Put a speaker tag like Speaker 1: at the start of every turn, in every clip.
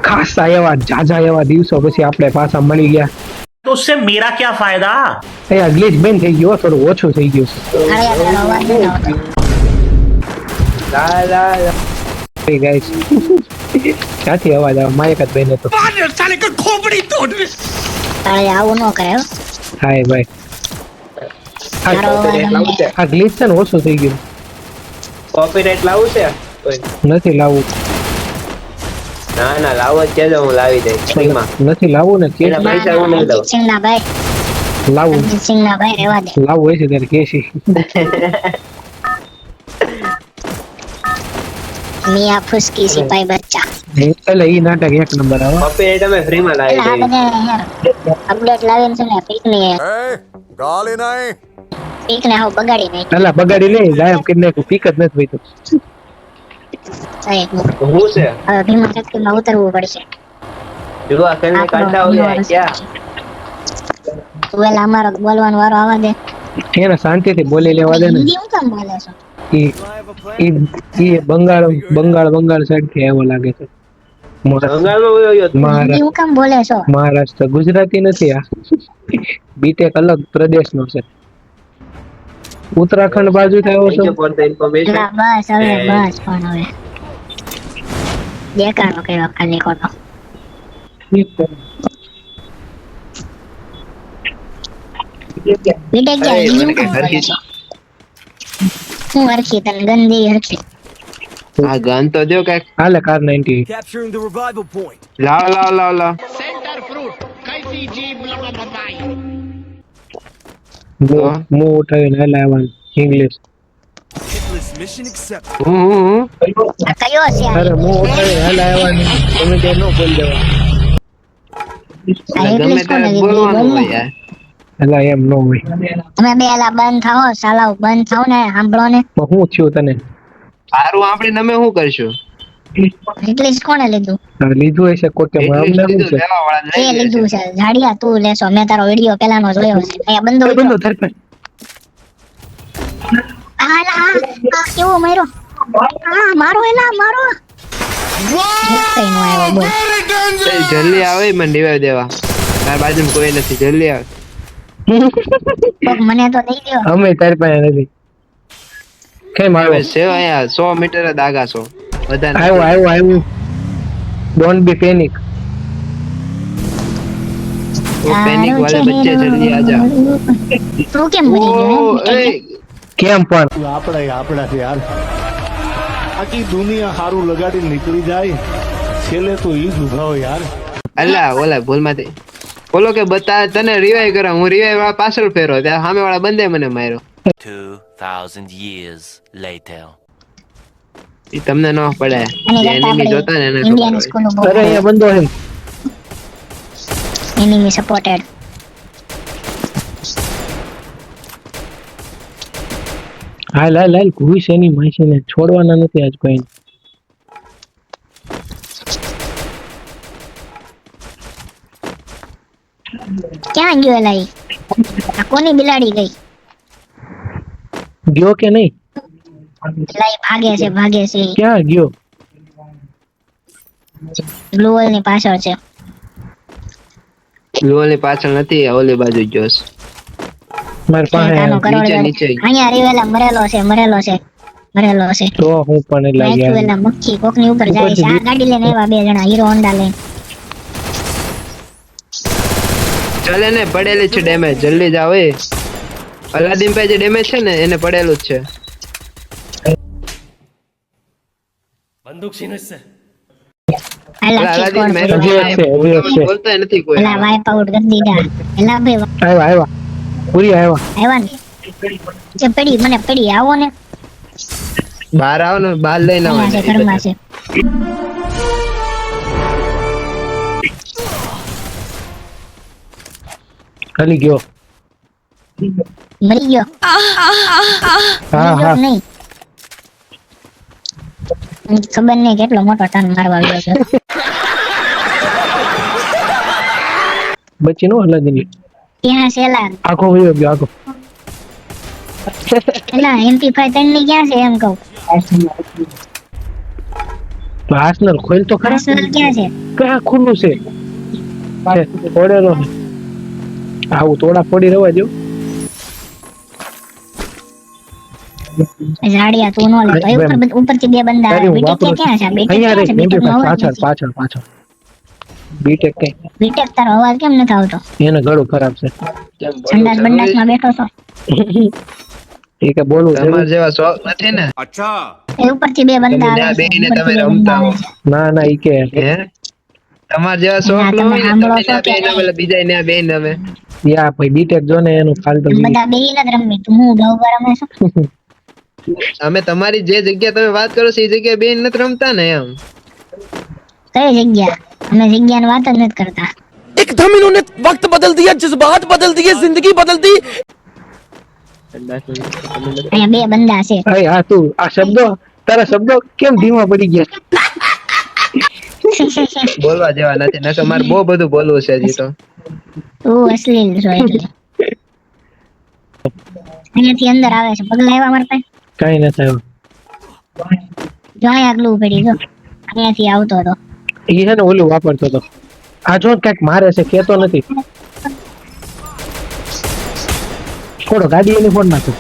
Speaker 1: ખાસા એવા જાજા એવા દિવસો પછી આપણે પાછા મળી ગયા
Speaker 2: तो उससे मेरा क्या फायदा।
Speaker 1: અહીંયા ગ્લિચ બેન થઈ ગયો થોડું ઓછું થઈ ગયું છે ગાઈસ ક્યાંથી અવાજ આવે માયક જ બેન તો
Speaker 3: साले का खोपड़ी तोड़
Speaker 4: તારે આવું ન કરે હો.
Speaker 1: હાય ભાઈ આ ગ્લિચ છે ને ઓછું થઈ ગયું
Speaker 5: કોપીરાઈટ લાવું છે
Speaker 1: નથી લાવવું
Speaker 5: ના ના લાવો જ કેજો હું લાવી દઈશ ફ્રીમાં
Speaker 1: નથી લાવવું ને કે
Speaker 5: એના પૈસા હું નહીં દઉં
Speaker 4: સિંહના ભાઈ
Speaker 1: લાવવું
Speaker 4: સિંહના ભાઈ રહેવા દે.
Speaker 1: લાવવું હોય છે ત્યારે કેસી
Speaker 4: મિયા ફુસકી સિપાઈ બચ્ચા
Speaker 1: એટલે ઈ નાટક એક નંબર આવે
Speaker 5: કોપીરાઈટ અમે ફ્રીમાં લાવી
Speaker 4: એટલે આ
Speaker 5: દઈશ
Speaker 4: બધા અપડેટ લાવીને છે ને પીકને
Speaker 3: गाली नहीं
Speaker 4: પીકને હાવ બગાડી નાખી.
Speaker 1: પેલા બગાડી લે ગાયબ કરી નાખ્યું પીક જ નથી વહીતું
Speaker 5: હું છે
Speaker 4: હવે ભીમા શક્તિમાં ઉતરવું પડશે.
Speaker 5: જુઓ ખેલને કાઢતા હોય ક્યાં
Speaker 4: તું વેલા અમારો બોલવાનો વારો આવવા દે.
Speaker 1: એને શાંતિથી બોલી લેવા દે ને
Speaker 4: હિન્દી હું કેમ બોલે છો?
Speaker 1: ઈ બંગાળ સાઈડ થી આવ્યો લાગે છે
Speaker 5: બંગાળમાં વયો ગયો તું.
Speaker 4: હિન્દી હું કેમ બોલે છો?
Speaker 1: મહારાષ્ટ્ર ગુજરાતી નથી આ બીટેક અલગ પ્રદેશનો છે ઉત્તરાખંડ બાજુ થી આવ્યો
Speaker 5: Thank you
Speaker 1: છો
Speaker 5: for the information.
Speaker 4: ના, બસ હવે બસ પણ હવે દેખાડો કર્યો ખાલી ખોટો. વિડે ગયા
Speaker 5: અરે,
Speaker 4: હિન્દી
Speaker 5: મને
Speaker 4: હું કેમ
Speaker 5: કઈ
Speaker 4: બોલે
Speaker 5: હરખી
Speaker 4: છો? હું હરખી તને ગંદી હરખી.
Speaker 5: આ ગન તો જો કઈક
Speaker 1: હાલે car 90
Speaker 3: capturing the revival point
Speaker 5: લાવ
Speaker 1: મો ઉઠાવીને હાલે આવવાનું ઇંગ્લિશ
Speaker 3: hitless mission accepted
Speaker 5: હું
Speaker 4: આ કયો છે આ?
Speaker 1: અરે મો ઉઠાવીને હાલે આવવાનું તમે કે નો બોલ દેવા
Speaker 4: આ
Speaker 5: ગમે
Speaker 4: English કોને
Speaker 5: ત્યારે
Speaker 4: કીધું?
Speaker 5: બોલવાનું
Speaker 4: બોલ ને.
Speaker 5: હોય યાર
Speaker 1: એટલે એમ નો હોય
Speaker 4: તમે બે એલા બંધ થાઓ સાલાવ બંધ થાઓ ને સાંભળો ને.
Speaker 1: પણ હું થયું તને
Speaker 5: સારું આપણે તમે શું કરશું
Speaker 4: ઇંગ્લિશ કોને લીધું?
Speaker 1: લીધું હશે કોઈ કે અમને શું છે
Speaker 5: લેવા વાળા
Speaker 4: એ લીધું છે ઝાડિયા તું લેશો. મેં તારો વિડિયો પેલાનો જોયો છે. અહીંયા બંધો
Speaker 1: બંધો
Speaker 4: વિડિયો.
Speaker 1: ધરપે
Speaker 4: આ કેવો માર્યો? આ મારો એલા મારો. કઈ નો આવ્યો બોલ.
Speaker 5: જલ્દી આવે મને રિવાઈવ દેવા તાર બાજુમાં કોઈ નથી જલ્દી આવે
Speaker 4: કોક મને તો દઈ દ્યો.
Speaker 1: અમે તારી પાસે નથી કેમ
Speaker 5: હવે
Speaker 1: આવ્યો
Speaker 5: છે અહીંયા 100 મીટર જ આગા છો બધા
Speaker 1: આવ્યો ડોન્ટ બી પેનિક
Speaker 5: પેનિક વાલે બચ્ચે જલ્દી આજા
Speaker 4: તું કેમ મરી ગયો
Speaker 5: ઓ
Speaker 4: હે?
Speaker 5: એ
Speaker 1: કેમ પણ
Speaker 6: આપણા છે યાર આખી દુનિયા હારું લગાડી નીકળી જાય છેલ્લે તો ઈ જ ઉભાવ યાર
Speaker 5: અલ્લા ઓલા ભૂલમાંથી બોલો કે બતા તને રિવાઈવ કરા હું રિવાઈવ વાળા પાછળ ફેરો ત્યાં સામે વાળા બંદે મને માર્યો
Speaker 7: 2000 years later.
Speaker 5: ઈ તમને ન પડે
Speaker 4: અને
Speaker 5: જે એનિમી જોતા ને એને ખબર
Speaker 4: ઇન્ડિયન
Speaker 5: હોય.
Speaker 4: સ્કૂલ
Speaker 1: અરે અહીંયા બંધો છે
Speaker 4: એનિમી સપોર્ટેડ.
Speaker 1: હાલ ઘુસ એની માસીને છોડવાના નથી આજ કોઈ
Speaker 4: ક્યાં ગયો એલા ઈ? આ કોની બિલાડી ગઈ?
Speaker 1: ગયો કે નહીં
Speaker 4: એલા ઈ ભાગે છે
Speaker 1: ક્યાં ગયો
Speaker 4: બ્લુ હોલ ની પાછળ છે.
Speaker 5: લોલની પાછળ નથી ઓલી બાજુ જોસ
Speaker 1: મારી પાસે
Speaker 4: કાનો કરોડ
Speaker 5: નીચે,
Speaker 4: ગયો.
Speaker 5: નીચે.
Speaker 4: અહીંયા રીવેલા મરેલો છે.
Speaker 1: તો હું પણ એટલે
Speaker 4: નાખ્યું
Speaker 1: ગયા
Speaker 4: એલા મક્ખી કોકની ઉપર જાય છે. આ ગાડી લઈને આવ્યા બે જણા હીરો હોન્ડા લઈને.
Speaker 5: ચાલે ને પડેલી છે ડેમેજ જલ્દી જાવ એ અલાદીન પાસે જે ડેમેજ છે ને એને પડેલું જ છે
Speaker 4: એલા
Speaker 5: અલા,
Speaker 4: ચીટ
Speaker 5: અલાદીન
Speaker 4: કોણ
Speaker 5: મેં
Speaker 4: કર્યું?
Speaker 1: હજી એક છે.
Speaker 5: બોલતા નથી કોઈ
Speaker 4: એલા વાઇપ આઉટ કરી દીધા. એલા બે
Speaker 1: આવ્યા પૂરી આવ્યા
Speaker 4: આવ્યા ને જે પડી મને પડી આવો ને.
Speaker 5: બહાર આવો ને બહાર લઈને આવો
Speaker 4: અહીંયા છે ઘરમાં છે.
Speaker 1: ખાલી ગયો
Speaker 4: મરી ગયો.
Speaker 1: હા
Speaker 4: મરી ગયો
Speaker 1: હા
Speaker 4: કે નહીં? ખબર નહીં કેટલો મોટો ટર્ન મારવા આવ્યો છે.
Speaker 1: બચી નો હલાદી
Speaker 4: ત્યાં છે એલા
Speaker 1: આખો વયો ગયો આખો
Speaker 4: એલા MP5 તન ની ક્યાં છે એમ કહું.
Speaker 1: તો આર્સેનલ ખોલ તો ખરા
Speaker 4: આર્સેનલ ક્યાં છે?
Speaker 1: ક્યાં ખુલ્લું છે ફોડેલો છે આવું તોડા ફોડી રહેવા દો
Speaker 4: ઝાડિયા તું નો લેતો એ ઉપરથી બે બંદા
Speaker 1: તારી હું
Speaker 4: બીટેક
Speaker 1: વાપરું
Speaker 4: ક્યાં છે? બીટેક
Speaker 1: અહીંયા રે
Speaker 4: ક્યાં છે? બીટેક નો અવાજ
Speaker 1: પાછળ
Speaker 4: નથી.
Speaker 1: પાછળ પાછળ બીટેક કઈ
Speaker 4: બીટેક તારો અવાજ કેમ નથી આવતો?
Speaker 1: એને ગળું ખરાબ છે
Speaker 4: સંડાસ બંડાસમાં બેઠો છો?
Speaker 1: એ કે બોલવું
Speaker 5: તમારા જેવા શોખ નથી ને
Speaker 3: अच्छा
Speaker 4: એ ઉપરથી બે બંદા
Speaker 5: તમે
Speaker 4: આવે છે.
Speaker 5: બેહીને
Speaker 4: ઉપરથી
Speaker 5: તમે
Speaker 4: બે
Speaker 5: રમતા
Speaker 4: બંદા
Speaker 5: હો.
Speaker 4: આવે છે.
Speaker 1: ના ના ઈ કે
Speaker 5: હે તમારા જેવા શોખ
Speaker 4: ના,
Speaker 5: ન
Speaker 4: તમે
Speaker 5: હોય ને
Speaker 4: સાંભળો
Speaker 5: તમે
Speaker 4: છો
Speaker 5: ના
Speaker 4: કે
Speaker 5: બેહીને
Speaker 4: નહીં?
Speaker 5: પેલા બીજા ને બેહીને અમે
Speaker 1: યા ભાઈ બીટેક જો ને એનું ફાલતુ
Speaker 4: તમે બધા બેહીને જ રમી તું હું ડોગર રમે છો?
Speaker 5: અમે તમારી જે જગ્યા તમે વાત કરો છો એ જગ્યાએ બેહીને નથી રમતા ને એમ
Speaker 4: કઈ જગ્યા? અમે જગ્યાની વાત જ નથી કરતા.
Speaker 3: एकदम इन्होंने वक्त बदल दिया जज्बात बदल दिए जिंदगी बदल दी
Speaker 4: અહીંયા બે બંદા છે.
Speaker 1: અરે હા તું આ શબ્દો તારા શબ્દો કેમ ધીમા પડી ગયા
Speaker 5: બોલવા જેવા નથી નકર મારે બહુ બધું બોલવું છે હજી તો
Speaker 4: તું અશ્લીલ છો એટલે. અહીંયાથી અંદર આવે છે. પગલા આવ્યા મારા પાસે?
Speaker 1: કઈ નથી આવ્યું
Speaker 4: જો અહીંયા આગલું પડી જો અહીંયાથી આવતો હતો.
Speaker 1: ઈ છે ને ઓલું વાપરતો હતો આ જો કઈક મારે છે કેતો નથી થોડો ગાડી એની ફોન નાખો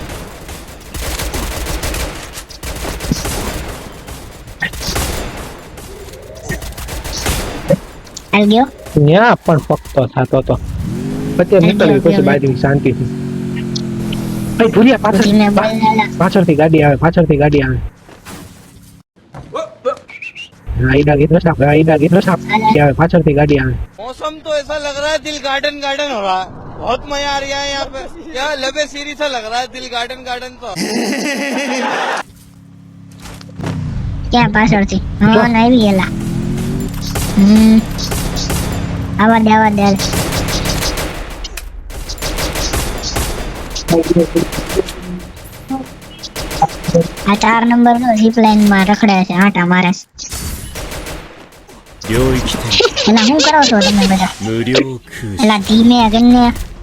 Speaker 4: હાલ ગયો.
Speaker 1: ન્યા પણ ફક્તો થતો હતો પછી નીકળવી પછી બાજુ શાંતિથી ભાઈ ભૂરિયા પાછળ
Speaker 4: ધીમે બોલ લાલા.
Speaker 1: પાછળથી ગાડી આવે હા, ઈડા ગીત સાપ આવે પાછળથી ગાડી આવે
Speaker 8: मौसम तो ऐसा लग रहा है दिल गार्डन गार्डन हो रहा है बहुत मजा आ रहा है यहाँ पे क्या लबे सीरी सा लग रहा है दिल गार्डन गार्डन तो
Speaker 4: ક્યાં પાછળથી? હા ના આવી ગયેલા. આવા દે આ 4 નંબર નો ઝીપ લાઈન માં રખડે છે આટા મારે છે. એલા શું કરો છો તમે બધા? એલા ધીમે કરીને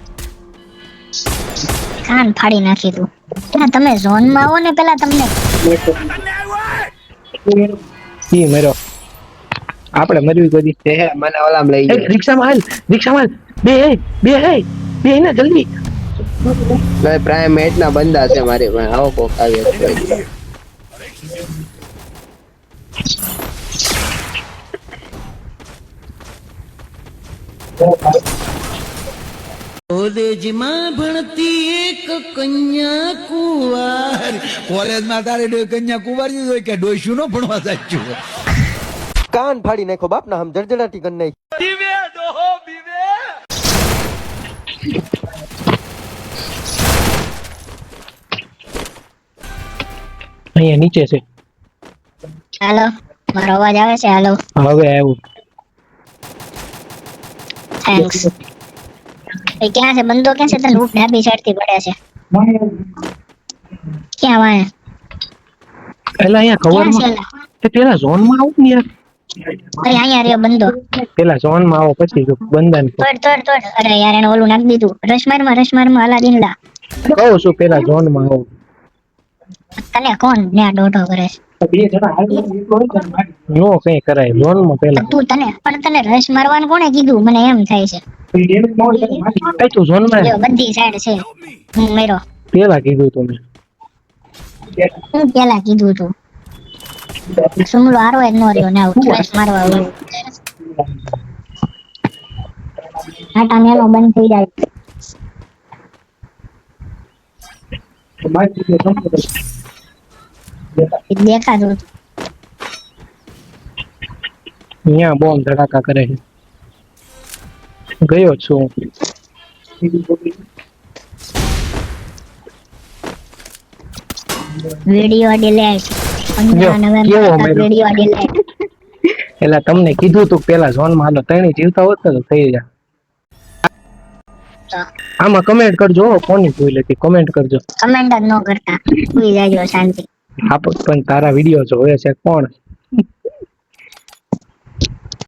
Speaker 4: કાન ફાડી નાખી તું. એલા તમે ઝોન માં આવો ને પેલા તમને
Speaker 1: ઈ મરો આપણે મરવી કોઈ
Speaker 5: હે મને ઓલામ લઈ ગયો
Speaker 1: રિક્ષામાં હાલ બે ને જલ્દી
Speaker 5: ભાઈ પ્રાઇમેટ ના બંદા છે મારી પાસે આવો કોક આવ્યો છે
Speaker 8: કોલેજમાં તારે કન્યા કુંવારી હોય કે ડોસ્યું નો ભણવા સાચું
Speaker 9: કાન ફાડી નાખો બાપના હમ જળજળાટી કરી નાખી
Speaker 1: અહીંયા નીચે છે
Speaker 4: હાલો મારો અવાજ આવે છે? હાલો
Speaker 1: હવે આવ્યું
Speaker 4: થેન્ક્સ. એ ક્યાં છે બંદો? ક્યાં છે? તને લૂટ ડાબી સાઈડ થી પડે છે. ક્યાં વાય?
Speaker 1: એટલે અહીંયા
Speaker 4: ક્યાં છે
Speaker 1: કવરમાં
Speaker 4: એલા?
Speaker 1: તે પેલા ઝોન માં આવું ને યાર
Speaker 4: અરે અહીંયા રહ્યો બંદો.
Speaker 1: પેલા ઝોન માં આવો પછી જો બંધન
Speaker 4: તોડ. અરે યાર એને ઓલું નાખી દીધું. રશમારમાં અલાદીન લા.
Speaker 1: કહું છું પેલા ઝોન માં આવો
Speaker 4: તને કોણ ન્યા ડોઢો કરે છે?
Speaker 1: નો કઈ કરાય ઝોન માં પેલા
Speaker 4: તને રશ મારવાનું કોણે કીધું? મને એમ થાય છે.
Speaker 1: કઈ તું ઝોન માં
Speaker 4: જો બધી સાઈડ છે. હું મેરો
Speaker 1: પેલા કીધું તું મેં
Speaker 4: હું પેલા કીધું તું. સુમલો હારો જ નો રહ્યો ને આવું રશ મારવા આવ્યું. આટા મેલો બંધ થઈ જાય. દેખાતું હતું.
Speaker 1: અહીંયા બોમ્બ ધડાકા કરે છે ગયો છું
Speaker 4: વિડિયો ડિલીટ. 15 નવેમ્બર
Speaker 1: કેવો
Speaker 4: તક
Speaker 1: મેરો?
Speaker 4: Video delete.
Speaker 1: એટલે તમને કીધું તું પેલા ઝોન માં હાલો ત્રણે જીવતા હોત ને તો થઈ જાય આમાં કમેન્ટ કરજો કોની ભૂલ હતી કમેન્ટ કરજો
Speaker 4: કમેન્ટ જ ન કરતા સુઈ જાજો શાંતિ.
Speaker 1: પણ તારા વિડીયો જોવે છે કોણ